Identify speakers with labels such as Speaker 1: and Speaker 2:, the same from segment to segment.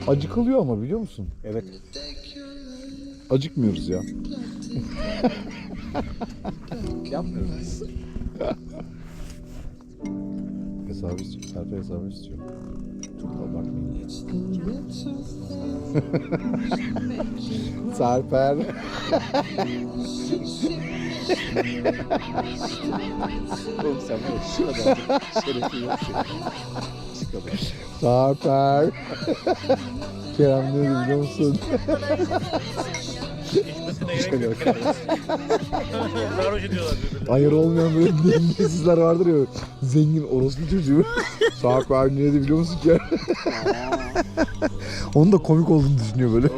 Speaker 1: Acıkılıyor ama biliyor musun?
Speaker 2: Evet.
Speaker 1: Acıkmıyoruz ya.
Speaker 2: Yapmıyoruz.
Speaker 1: Hesabı istiyor. Serpil hesabı istiyor. Çok da abartmayın. Serpil.
Speaker 2: Oğlum sen var ya şu kadar şerefli yok senin. Şu kadar.
Speaker 1: Serpil. Kerem ne dedi biliyor musun?
Speaker 2: Şöyle bak.
Speaker 3: Sarhoş ediyorlar birbirlerini.
Speaker 1: Ayır olmayan böyle dengesizler vardır ya. Zengin orospu çocuğu. Serpil ne dedi biliyor musun ki? Onun da komik olduğunu düşünüyor böyle.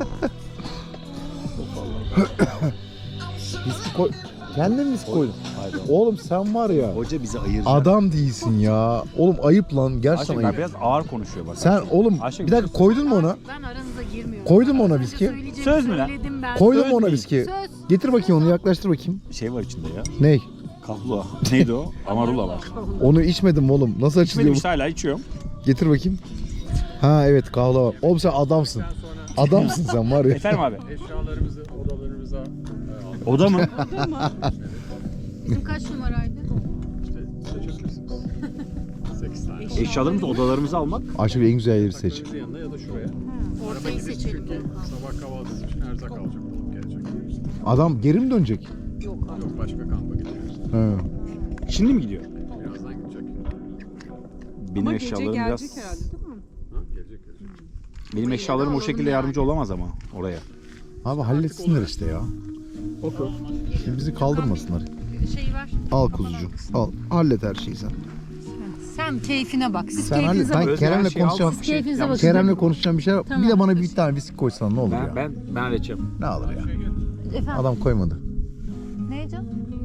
Speaker 1: Viski koy. Kendin mi viski koydun?
Speaker 2: Hayır.
Speaker 1: Oğlum sen var ya.
Speaker 2: Hoca bizi ayıracak.
Speaker 1: Adam değilsin ya. Oğlum ayıp lan. Gerçekten
Speaker 2: Ayşe
Speaker 1: ayıp.
Speaker 2: biraz ağır konuşuyor bak.
Speaker 1: Sen oğlum
Speaker 2: Ayşe,
Speaker 1: bir dakika koydun mu ona?
Speaker 4: Ben aranıza girmiyorum.
Speaker 1: Koydun mu ona
Speaker 4: Sadece
Speaker 1: viski?
Speaker 4: söyleyeceğimi
Speaker 2: Söz mü lan?
Speaker 4: söyledim ben.
Speaker 1: Koydun
Speaker 2: Söz
Speaker 1: mu ona
Speaker 2: değil.
Speaker 1: viski?
Speaker 4: Söz.
Speaker 1: Getir bakayım onu yaklaştır bakayım.
Speaker 2: Şey var içinde ya.
Speaker 1: Ney?
Speaker 2: Kahlua. Neydi o? Amarula var.
Speaker 1: Onu içmedim oğlum. Nasıl açılıyor
Speaker 2: İçmedim
Speaker 1: bu?
Speaker 2: işte hala içiyorum.
Speaker 1: Getir bakayım. Ha evet kahve var. Oğlum sen adamsın. Adamsın sen var ya.
Speaker 2: Efendim abi.
Speaker 3: Eşyalarımızı odalarımıza aldık.
Speaker 2: Oda mı?
Speaker 4: Bizim kaç numaraydı?
Speaker 3: İşte seçebilirsiniz. 8 tane.
Speaker 2: Eşyalarımızı odalarımıza almak.
Speaker 1: Ayşe bir en güzel yeri seç.
Speaker 3: Kapınızın yanına ya da şuraya.
Speaker 4: Ortayı
Speaker 3: Gidip
Speaker 4: seçelim.
Speaker 3: çünkü sabah kahvaltısı için erzak alacak olup gelecek.
Speaker 1: Adam geri mi dönecek?
Speaker 4: Yok abi.
Speaker 3: Yok başka kampa gidiyoruz.
Speaker 1: He.
Speaker 2: Şimdi mi gidiyor?
Speaker 3: Birazdan gidecek.
Speaker 2: Benim
Speaker 5: Ama gece
Speaker 2: eşyalarım
Speaker 5: gelecek
Speaker 2: biraz...
Speaker 5: herhalde değil mi?
Speaker 3: Ha? Gelecek.
Speaker 2: Benim eşyalarım o şekilde yardımcı olamaz ama oraya.
Speaker 1: Abi halletsinler işte ya.
Speaker 3: Oku.
Speaker 1: Şimdi bizi kaldırmasınlar.
Speaker 4: Şey var.
Speaker 1: Al kuzucuğum. Al. Hallet her şeyi sen.
Speaker 4: Sen keyfine bak. Siz
Speaker 1: Sen hallet.
Speaker 4: keyfinize
Speaker 1: Ben
Speaker 4: bakın.
Speaker 2: Özgür, her
Speaker 1: Kerem'le
Speaker 2: şeyi al.
Speaker 1: konuşacağım.
Speaker 4: Siz keyfinize bakın.
Speaker 1: Kerem'le konuşacağım bir şey var.
Speaker 4: Tamam.
Speaker 1: Bir de bana bir tane viski koysan ne olur ya.
Speaker 2: Ben halledeceğim.
Speaker 1: Ne alır ya.
Speaker 4: Efendim.
Speaker 1: Adam koymadı.
Speaker 4: Ne canım?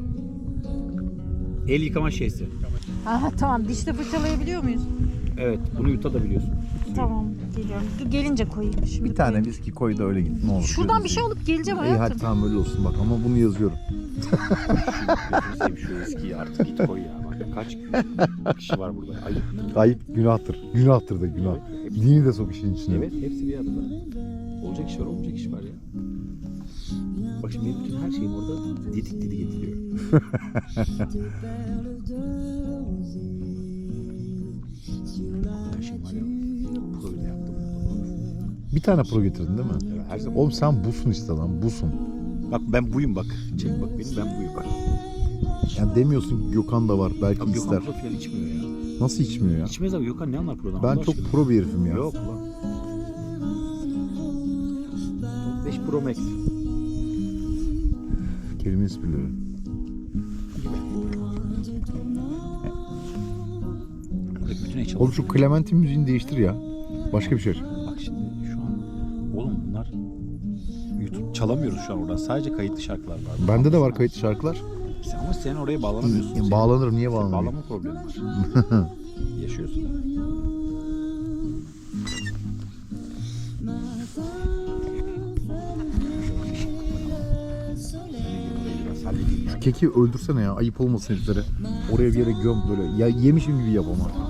Speaker 2: El yıkama şeysi.
Speaker 4: Aha, tamam. Dişte fırçalayabiliyor muyuz?
Speaker 2: Evet, bunu yutabiliyorsun.
Speaker 4: Tamam. Geliyorum. Dur, gelince koyayım. Şimdi
Speaker 1: Bir tane
Speaker 4: koyayım.
Speaker 1: viski koy da öyle git. Ne olur.
Speaker 4: Şuradan bir şey alıp geleceğim
Speaker 1: İyi
Speaker 4: hayatım.
Speaker 1: hadi tamam öyle olsun bak ama bunu yazıyorum.
Speaker 2: Gözünü seveyim şu eskiyi artık git koy ya. Bak kaç kişi var burada. Ayıp.
Speaker 1: Ayıp günahtır. Günahtır da günah. Dini de sok işin içine.
Speaker 2: Evet, hepsi bir arada. Olacak iş var, olmayacak iş var ya. Bak şimdi benim bütün her şeyim orada didik didik ediliyor. Her şeyim var ya. Pro'yu da yaptım.
Speaker 1: Bir tane pro getirdin değil mi?
Speaker 2: Evet, her zaman.
Speaker 1: Oğlum sen busun işte lan busun.
Speaker 2: Bak ben buyum bak. Çek bak benim ben buyum bak.
Speaker 1: Yani demiyorsun ki Gökhan da var belki
Speaker 2: Abi
Speaker 1: ister.
Speaker 2: Gökhan Pro falan içmiyor ya.
Speaker 1: Nasıl içmiyor ya?
Speaker 2: İçmez abi Gökhan ne anlar Pro'dan?
Speaker 1: Ben
Speaker 2: Allah
Speaker 1: çok
Speaker 2: aşkına.
Speaker 1: pro bir herifim ya.
Speaker 2: Yok lan. 5 Pro Max.
Speaker 1: Kelime esprileri.
Speaker 2: Bütün eşyalar.
Speaker 1: Oğlum şu Clementine müziğini değiştir ya. Başka bir şey aç.
Speaker 2: Bak şimdi şu an oğlum bunlar YouTube çalamıyoruz şu an oradan. Sadece kayıtlı şarkılar var.
Speaker 1: Bende de var kayıtlı şarkılar.
Speaker 2: Ama sen oraya bağlanamıyorsun.
Speaker 1: Ya, bağlanırım niye
Speaker 2: Senin
Speaker 1: bağlanırım?
Speaker 2: bağlama problemi var. Yaşıyorsun.
Speaker 1: Şu keki öldürsene ya ayıp olmasın heriflere. Oraya bir yere göm böyle. Ya yemişim gibi yap ama.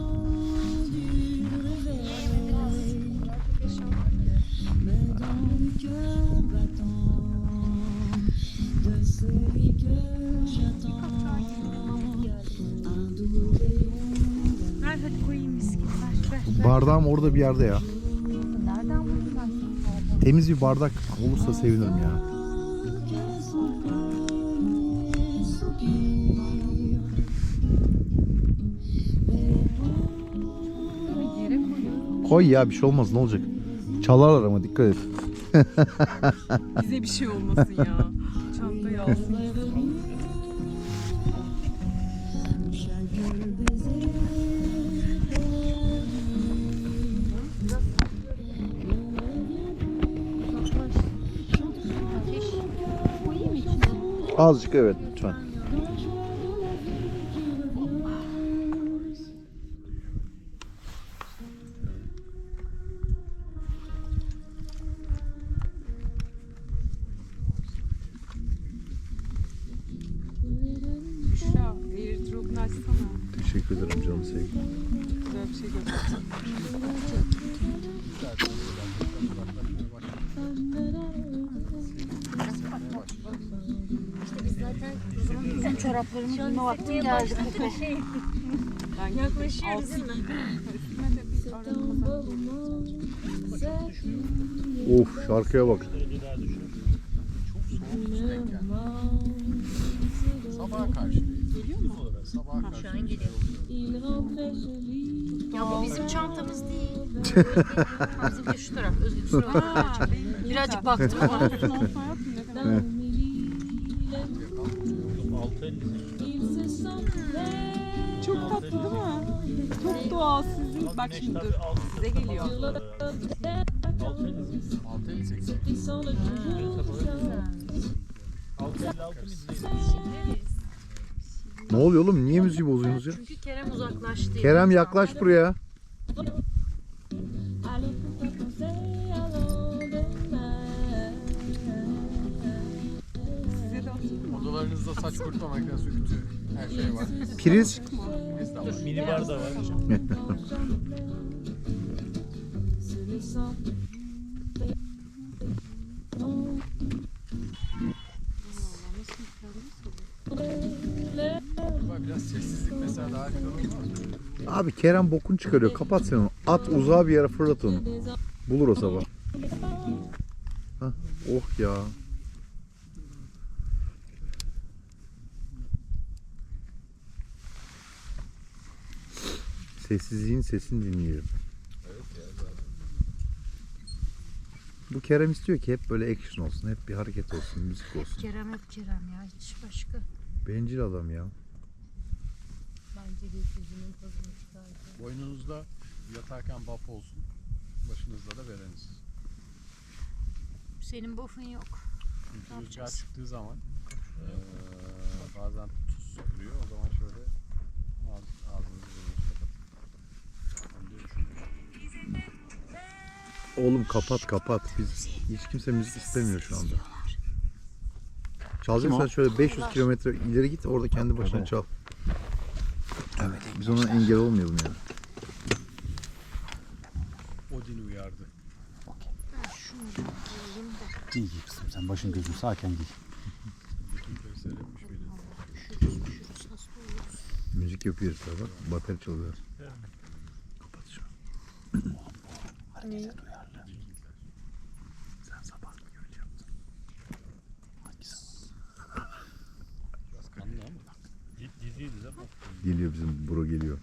Speaker 4: Ver hadi koyayım viski. Ver.
Speaker 1: Bardağım orada bir yerde ya.
Speaker 4: Nereden buldun ben?
Speaker 1: Temiz bir bardak olursa sevinirim ya.
Speaker 4: Yere koyuyorum.
Speaker 1: Koy ya bir şey olmaz ne olacak? Çalarlar ama dikkat et.
Speaker 5: Bize bir şey olmasın ya. Çantayı alsın.
Speaker 4: Ateş. Koyayım mı içine?
Speaker 1: Azıcık evet lütfen.
Speaker 5: Büşra, airdrop'unu açsana.
Speaker 1: Teşekkür ederim canım sevgilim.
Speaker 5: Güzel bir şey göstereceğim.
Speaker 4: çoraplarımı giyme vaktim geldi.
Speaker 5: Yaklaşıyor bizim mi?
Speaker 1: Of şarkıya bak.
Speaker 3: Sabaha karşı. Geliyor mu? Sabaha karşı.
Speaker 4: Şu an geliyor. Ya bu bizim çantamız değil. Bizim de şu taraf. Özgür kusura bakma. Birazcık baktım ama.
Speaker 5: Çok tatlı değil mi? Çok doğal sizin. Bak şimdi dur. Size geliyor.
Speaker 3: 6.58.
Speaker 1: Ne oluyor oğlum? Niye müziği bozuyorsunuz ya?
Speaker 4: Çünkü Kerem uzaklaştı.
Speaker 1: Kerem yaklaş buraya.
Speaker 5: Size de atayım mı?
Speaker 3: Odalarınızda saç kurutma makinesi, ütü, her şey var.
Speaker 1: Priz.
Speaker 3: Biz de var.
Speaker 2: Mini bar da var.
Speaker 3: Ama biraz sessizlik mesela daha güzel olmaz mı?
Speaker 1: Abi Kerem bokunu çıkarıyor. Kapat sen onu. At uzağa bir yere fırlat onu. Bulur o sabah. Hah, oh ya. Sessizliğin sesini dinleyelim. Bu Kerem istiyor ki hep böyle action olsun, hep bir hareket olsun, müzik olsun.
Speaker 4: Kerem hep Kerem ya. Hiç başka.
Speaker 1: Bencil adam ya.
Speaker 4: Bence de yüzünün tadını çıkardı.
Speaker 3: Boynunuzda yatarken bap olsun. Başınızda da vereniz.
Speaker 4: Senin buff'un yok.
Speaker 3: Çünkü rüzgar çıktığı zaman bazen tuz vuruyor. O zaman şöyle ağzınızı burnunu kapatın. Ben de düşünüyorum.
Speaker 1: Oğlum kapat kapat. Biz hiç kimse müzik istemiyor şu anda. Çalacaksan şöyle 500 kilometre ileri git, orada kendi başına çal. Evet. Biz ona engel olmayalım yani.
Speaker 3: Odin uyardı.
Speaker 4: Şunu da koyayım da.
Speaker 6: İyi giy kızım, sen başın gözün sağken giy.
Speaker 3: Bütün köy seyretmiş biri.
Speaker 4: Üşürüz, hasta oluruz.
Speaker 1: Müzik yapıyor işte bak. Bateri çalıyor. Kapat şunu.
Speaker 6: Harekete duyarlı. Sen sabah mı öyle yaptın? Hangi sabah?
Speaker 3: Biraz kanlı ama.
Speaker 2: Diziydi değil mi?
Speaker 1: Geliyor bizim bro geliyor.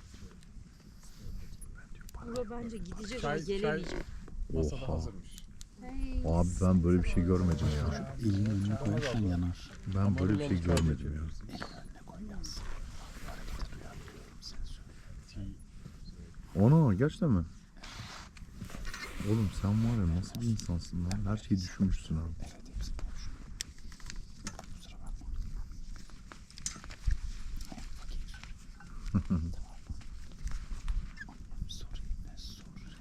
Speaker 4: Bura bence gidecek
Speaker 3: Çay-
Speaker 4: ama gelemeyecek.
Speaker 3: Masada
Speaker 1: Oha.
Speaker 3: hazırmış.
Speaker 4: Hey.
Speaker 1: Abi ben böyle bir şey görmedim ya.
Speaker 6: Elini önüne koyarsan yanar.
Speaker 1: Ben böyle bir şey görmedim ya.
Speaker 6: Elini önüne koy yansın. Harekete duyarlı diyorum, sen söyle.
Speaker 1: Ona gerçekten mi? Oğlum sen var ya nasıl bir insansın lan? Her şeyi düşünmüşsün abi.
Speaker 6: Evet, hepsini konuş. Kusura bakma. Hayır, fakir. Tamam mı? Sorry, ne sorry.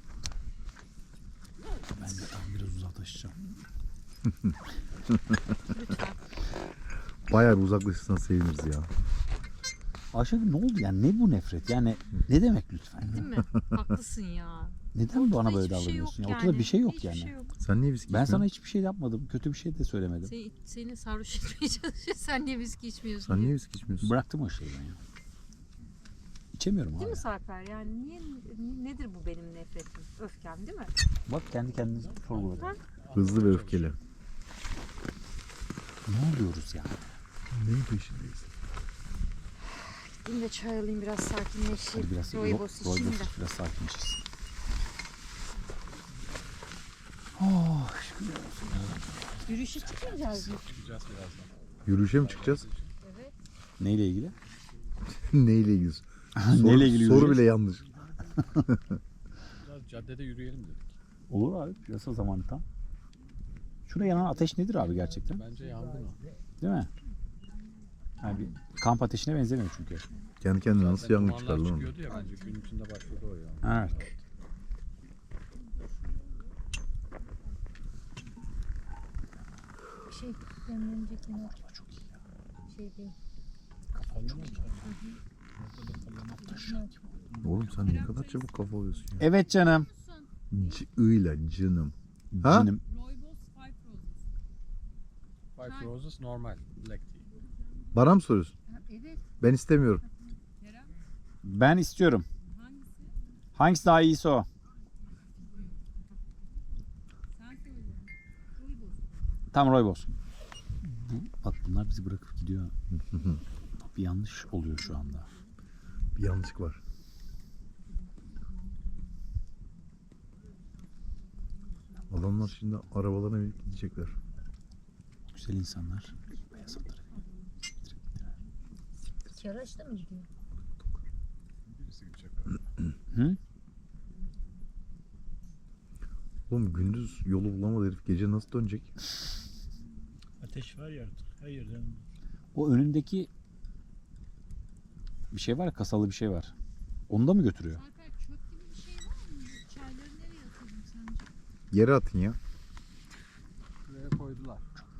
Speaker 6: Ben de tam biraz uzaklaşacağım.
Speaker 1: Bayağı bir uzaklaşırsan seviniriz ya.
Speaker 6: Ayşegül ne oldu yani? Ne bu nefret? Yani ne demek lütfen?
Speaker 4: Değil mi? Haklısın ya.
Speaker 6: Neden bana
Speaker 4: Ortada
Speaker 6: böyle
Speaker 4: hiçbir şey
Speaker 6: davranıyorsun?
Speaker 4: yok
Speaker 6: Ya? Ortada bir şey yok
Speaker 4: Hiçbir
Speaker 6: yani.
Speaker 4: şey yok.
Speaker 1: Sen niye viski
Speaker 6: Ben sana
Speaker 1: içmiyorsun?
Speaker 6: hiçbir şey yapmadım. Kötü bir şey de söylemedim.
Speaker 4: Seni sarhoş etmeye çalışıyor. Sen niye viski içmiyorsun?
Speaker 1: Sen
Speaker 4: diye.
Speaker 1: niye viski içmiyorsun?
Speaker 6: Bıraktım o şeyi ben ya. İçemiyorum
Speaker 4: Değil
Speaker 6: abi.
Speaker 4: mi Sarper? Yani nedir bu benim nefretim? Öfkem değil mi?
Speaker 6: Bak kendi kendinize sorguladın.
Speaker 1: Hızlı ve öfkeli.
Speaker 6: Ne oluyoruz yani?
Speaker 1: Neyin peşindeyiz?
Speaker 4: Gideyim de çay alayım biraz sakinleşeyim.
Speaker 6: Hadi biraz
Speaker 4: Rooibos içeyim de.
Speaker 6: biraz sakinleşirsin. Oh, şükür olsun.
Speaker 4: Yürüyüşe çıkmayacağız mı?
Speaker 3: Çıkacağız birazdan.
Speaker 1: Yürüyüşe mi çıkacağız?
Speaker 6: Neyle ilgili?
Speaker 1: Neyle ilgili?
Speaker 6: Neyle ilgili
Speaker 1: Soru
Speaker 6: yürüyeceğiz?
Speaker 1: bile yanlış.
Speaker 3: Biraz caddede yürüyelim dedik.
Speaker 6: Olur abi. Piyasa zamanı tam. Şurada yanan ateş nedir abi gerçekten?
Speaker 3: Bence yangın o.
Speaker 6: Değil mi? Yani bir kamp ateşine benzemiyor çünkü.
Speaker 1: Kendi kendine nasıl
Speaker 3: Zaten
Speaker 1: yangın
Speaker 3: dumanlar
Speaker 1: çıkar lan?
Speaker 3: çıkıyordu ya bence gün içinde başladı o ya.
Speaker 6: Evet.
Speaker 4: Demlenecek yine.
Speaker 6: Çok iyi ya.
Speaker 4: Şey değil.
Speaker 6: Kafam çok iyi.
Speaker 1: Oğlum sen ne kadar çabuk kafa oluyorsun ya.
Speaker 6: Evet canım.
Speaker 1: Öyle canım. Ha?
Speaker 6: Canım.
Speaker 3: Five Roses normal black tea.
Speaker 1: Bana mı soruyorsun?
Speaker 4: Evet.
Speaker 1: Ben istemiyorum.
Speaker 6: Ben istiyorum. Hangisi daha iyiyse o. Tam Rooibos. Bak bunlar bizi bırakıp gidiyor. Bir yanlış oluyor şu anda.
Speaker 1: Bir yanlışlık var. Adamlar şimdi arabalarına binip gidecekler.
Speaker 6: Güzel insanlar. Beyaz atları.
Speaker 4: İki araçta mı gidiyor?
Speaker 3: Birisi gidecek.
Speaker 6: Hı?
Speaker 1: Oğlum gündüz yolu bulamadı herif. Gece nasıl dönecek?
Speaker 7: Ateş var ya artık her yerden.
Speaker 6: O önündeki bir şey var ya, kasalı bir şey var. Onu da mı götürüyor?
Speaker 8: Alper çöp gibi bir şey var mı? Çayları nereye atalım sence?
Speaker 1: Yere atın ya.
Speaker 3: Şuraya koydular.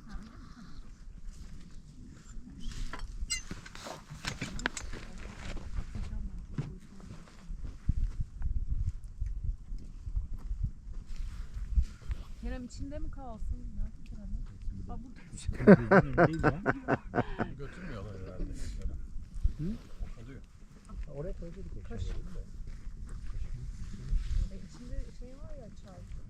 Speaker 5: Kerem içinde mi kalsın? Nerede Kerem? Aa, burada.
Speaker 7: Değil ya.
Speaker 3: Götürmüyorlar herhalde. Hı? Oluyor.
Speaker 2: Oraya koyduk.
Speaker 5: İçinde şey var ya çay.